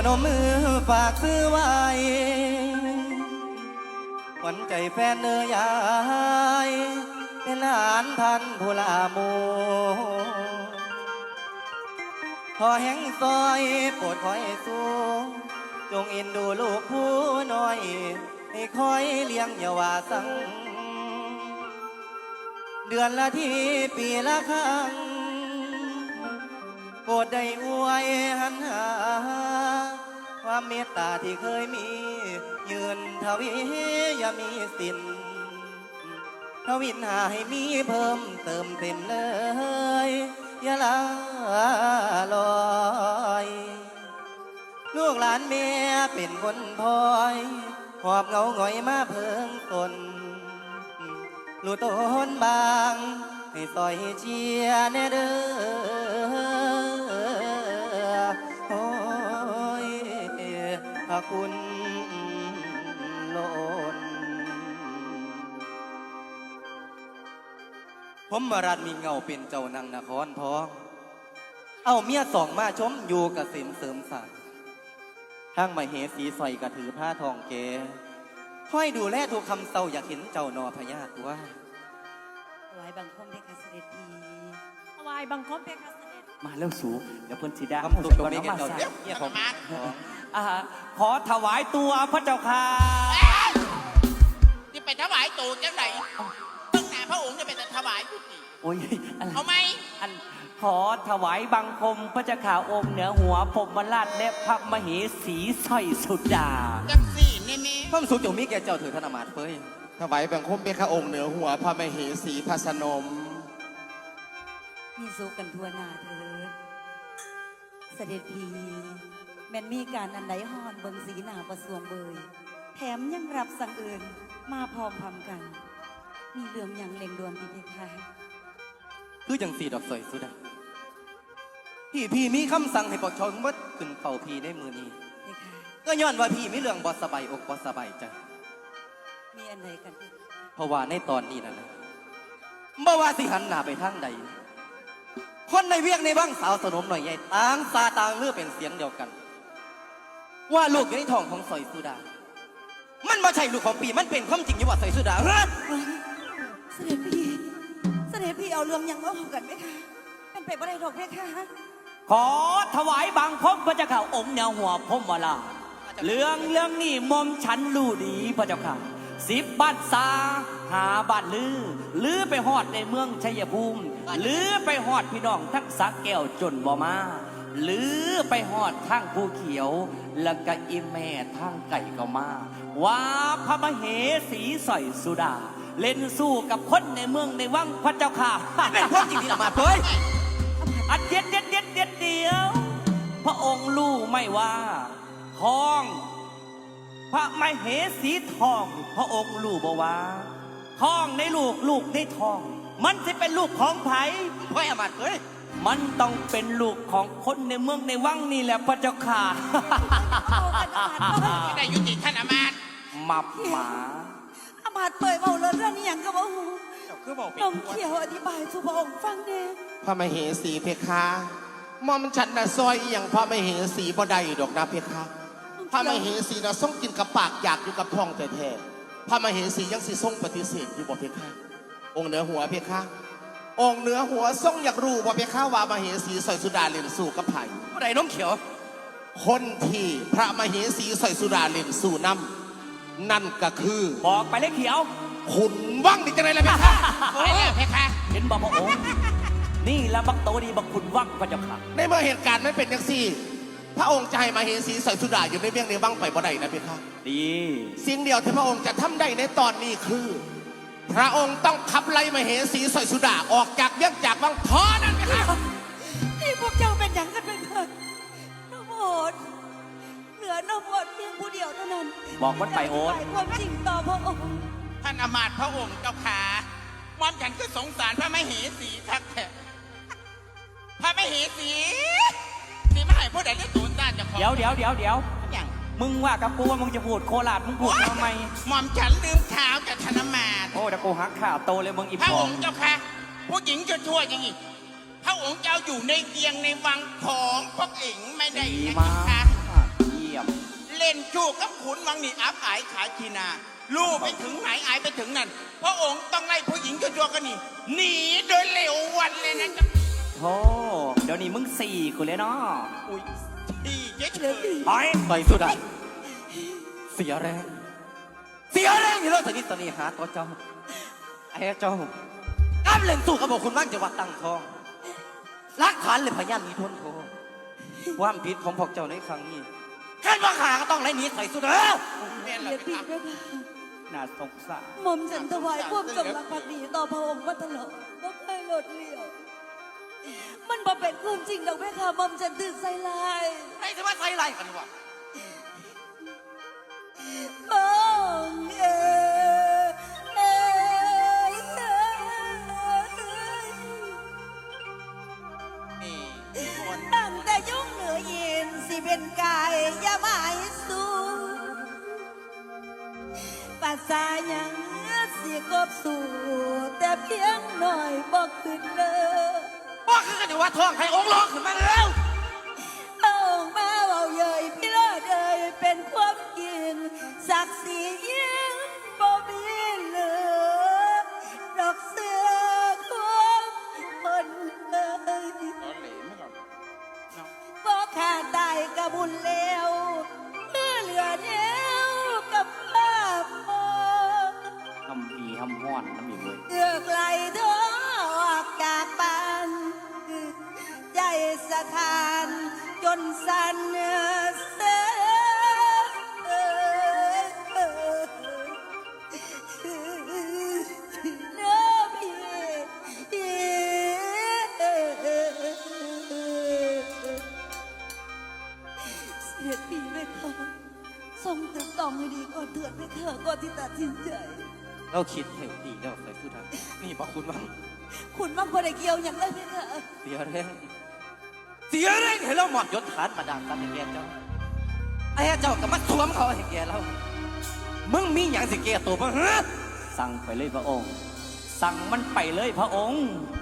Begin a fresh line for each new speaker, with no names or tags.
นมมือฝากซื้อไว้ขวัญใจแฟนเนื้อยายเป็นหลานท่านผู้ลาโมขอแห่งซอยโปรดคอยสูงจงเอ็นดูลูกผู้น้อยให้คอยเลี้ยงอย่าว่าสั่งเดือนละทีปีละครั้งโปรดได้อวยหันหาความเมตตาที่เคยมียืนทวีอย่ามีสิ้นทวินหาให้มีเพิ่มเติมเต็มเลยอย่าลาลอยลูกหลานแม่เป็นคนพลอยหอบเงาหงอยมาเพิ่งตนลูกต้นบางให้ซอยเชียร์แน่เด้อโอ้ยพระคุณล้นผมมารัดมีเงาเป็นเจ้านางนครทองเอาเมียสองมาชมอยู่กเกษมเสริมสร้างทั้งมาเหสีสอยกระถือผ้าทองเกค่อยดูแลทุกคำเศร้าอยากเห็นเจ้านอพญาตัว
ถวายบังคมเพคะเสด็จพีถวายบังคมเพคะเสด็จ
มาแล้วสูเดี๋ยวเพิ่นสิดา
คำตุกตรงนี้แกเจ้าเนี่ยผม
ขอถวายตัวพระเจ้าค่ะ
ที่ไปถวายตูดจังไหนเพิ่งหน้าพระองค์จะไปถวายยุติ
โอ้ย
เอาไหม
ขอถวายบังคมพระเจ้าข่าองค์เหนือหัวพรหมราชและพระมเหสีสร้อยสุดา
จังสี่นี่มี
ความสุขจงมีแก่เจ้าถือธนมาตเฟ้ย
ถวายบังคมเป็นข้าองค์เหนือหัวพระมเหสีพระสนม
มีสุขกันทั่วหน้าเถิดเสด็จพีแม่นมีการอันใดฮอนเบิงสีหน้าประสวงเบยแถมยังรับสั่งอื่นมาพร้อมพำกันมีเรื่องอย่างเล่งด่วนพี่เพคะ
คือจังสีดอกสอยสุดาพี่มีคำสั่งให้ปกชนวัดขึ้นเป่าพี่ในมือนี้ก็ย้อนว่าพี่มีเรื่องบอสบายอกบอสบายใจ
มีอันใดกัน
เพราะว่าในตอนนี้นั่นนะบ่ว่าสิหันหน้าไปทางใดคนในเวียงในบ้างสาวสนมหน่อยใหญ่ต่างซาต่างเลือเป็นเสียงเดียวกันว่าลูกอยู่ในท้องของสอยสุดามันไม่ใช่ลูกของปีมันเป็นความจริงอยู่ว่าสอยสุดาเฮ้ย
เสด็จพี่เอาเรื่องยังมาพูดกันไหมคะเป็นไปบ่ได้หรอกไหมคะ
ขอถวายบังคมพระเจ้าข่าองค์เหนือหัวพรหมราชเรื่องนี้มอมฉันรู้ดีพระเจ้าค่ะ10 บ้านซาหาบ้านลือไปฮอดในเมืองชัยภูมิลือไปฮอดพี่น้องทั้งสักแก้วจนบ่มาลือไปฮอดทั้งภูเขียวแล้วก็อีแม่ทั้งไก่ก็มาว่าพระมเหสีสอยสุดาเล่นสู้กับคนในเมืองในวังพระเจ้าค่ะ
เป็นความจริงที่ออกมาเฮ้ย
อัดเดียวพระองค์รู้ไม่ว่าทองพระมเหสีทองพระองค์รู้บ่ว่าทองในลูกในทองมันจะเป็นลูกของไผ
เฮ้ยอมาเฮ้ย
มันต้องเป็นลูกของคนในเมืองในวังนี่แหละพระเจ้าค่ะ
ไม่ได้ยุติท่านอามาตย์
มับหมา
อามาตย์เปิดเบาเรื่องนี้อย่างก็บ่ฮู้นมเขียวอธิบายสู่พระองค์ฟังแน่
พระมเหสีเพคะมอมฉันน่ะซอยอย่างพระมเหสีบ่ได้ดอกนะเพคะพระมเหสีน่ะส่งกินกับปากอยากอยู่กับท้องแท้ๆพระมเหสียังสิส่งปฏิเสธอยู่บ่เพคะองค์เหนือหัวเพคะองค์เหนือหัวส่งอยากรู้บ่เพคะว่ามเหสีสอยสุดาเล่นสู้กับไผ
ผู้ใดน้องเขียว
คนที่พระมเหสีสอยสุดาเล่นสู้นำนั่นก็คือ
บอกไปเลยเขียว
ขุนวังนี่จะไรล่ะเพคะ
ไปแล้วเพคะ
เห็นบ่พระองค์นี่ละบักโตดีบักขุนวังพระเจ้าค่ะ
ในเมื่อเหตุการณ์ไม่เป็นอย่างซี่พระองค์จะให้มเหสีสอยสุดาอยู่ในเวียงในวังไปบ่ได้นะเพคะ
ดี
สิ่งเดียวที่พระองค์จะทำได้ในตอนนี้คือพระองค์ต้องขับไล่มเหสีสอยสุดาออกจากเวียงจากวังพอนั่นเพคะ
นี่พวกเจ้าเป็นอย่างกันเป็นเถิดน้องโอดเหลือน้องโอดเพียงผู้เดียวเท่านั้น
บอกว่าไปโอด
ความจริงต่อพระองค์
ท่านอามาตย์พระองค์เจ้าขามอมฉันก็สงสารพระมเหสีทักแท้พระมเหสีนี่ไม่ให้ผู้ใดได้ตูนต้านจะขอ
เดี๋ยว
อย่าง
มึงว่ากับกูว่ามึงจะพูดโคราชมึงพูดทำไม
มอมฉันลืมข่าวจากธนมาต
โอ้แต่กูหักข่าวโตเลยมึงอีพ
อพระองค์เจ้าค่ะผู้หญิงชั่วๆอย่างนี้พระองค์เจ้าอยู่ในเวียงในวังของพวกเอ๋งไม่ได้นะคะ
ดลี่ยม
เล่นจู้กับขุนวังนี่อับอายขายชีนาลูกไปถึงไหนอายไปถึงนั่นพระองค์ต้องไล่ผู้หญิงจัวๆกันนี่หนีโดยเร็ววันเลยนะจ๊ะ
โธ่เดี๋ยวนี้มึงสี่กูเลยเนาะ
อุ้ยที่เจ๊เฉย
ไป
ไปสุดาเสียแรง เสียแรงอยู่แล้วตอนนี้หาตัวเจ้าไอ้เจ้ากำเล่นสู้กับบอกคุณว่างจังหวัดตั้งทองหลักฐานเลยพยานมีทนโทความผิดของพวกเจ้าในครั้งนี้แค่ว่าขาก็ต้องไล่หนีใส่สุดา
แม่น
อ
เรา
ย่า
ไป
ผิด
ทำ
ด้วยค่ะ
น่าสงสาร
หม่อมฉันถวายความจงรักภักดีต่อพระองค์มาตลอดบ่เคยลดเลี่ยว มันบ่เป็นความจริงดอกแม่ค่ะหม่อมฉันตื่นใส่ลาย
ไอ้ที่ว่าใส่ไรกันวะ
มอง
นี่คน
ตั้งแต่ยุ่งเหนือยินสิเป็นกายอย่าหมายสู่ภาษายังสิกบสู่แต่เพียงหน่อยบอกขึ้นเลย
ว่าคือกันอยู่ว่าท้องให้องค์ร้องขึ้นมาแล้ว
เอาออกมาเอาเย่ยพี่เลิศเอ่ยเป็นความจริงศักดิ์ศรียิ่งบ่มีเหลือดอกเสือความคนเอ่ย
ตอนเหลวไม่ก่อนเนาะ
บ่ขาดตายกะบุญแล้วเมื่อเหลือแนวกับภาพมอง
ทำผีทำห้อนน้ำอีกเลย
เลือกไหลเธอออกจากบ้านใจสถานจนสั่นเสีเนื้อพี่เสียดีไหมคะทรงตึกต้องให้ดีก่อนเถิดไหมคะก่อนที่ตัดสินใจ
เราคิดเห็นดีแล้วใส่สุดานี่บอกคุณว่า
คุณมั่งพอได้เกี่ยวอย่างไรไหมคะ
เสียแรงเสียแรงให้เราหมอบยศฐานประดานกันให้แกเจ้าไอ้เจ้าก็มาสวมเขาให้แกเรามึงมีอย่างสิแกตัวบ้างฮะ
สั่งไปเลยพระองค์ สั่งมันไปเลยพระองค์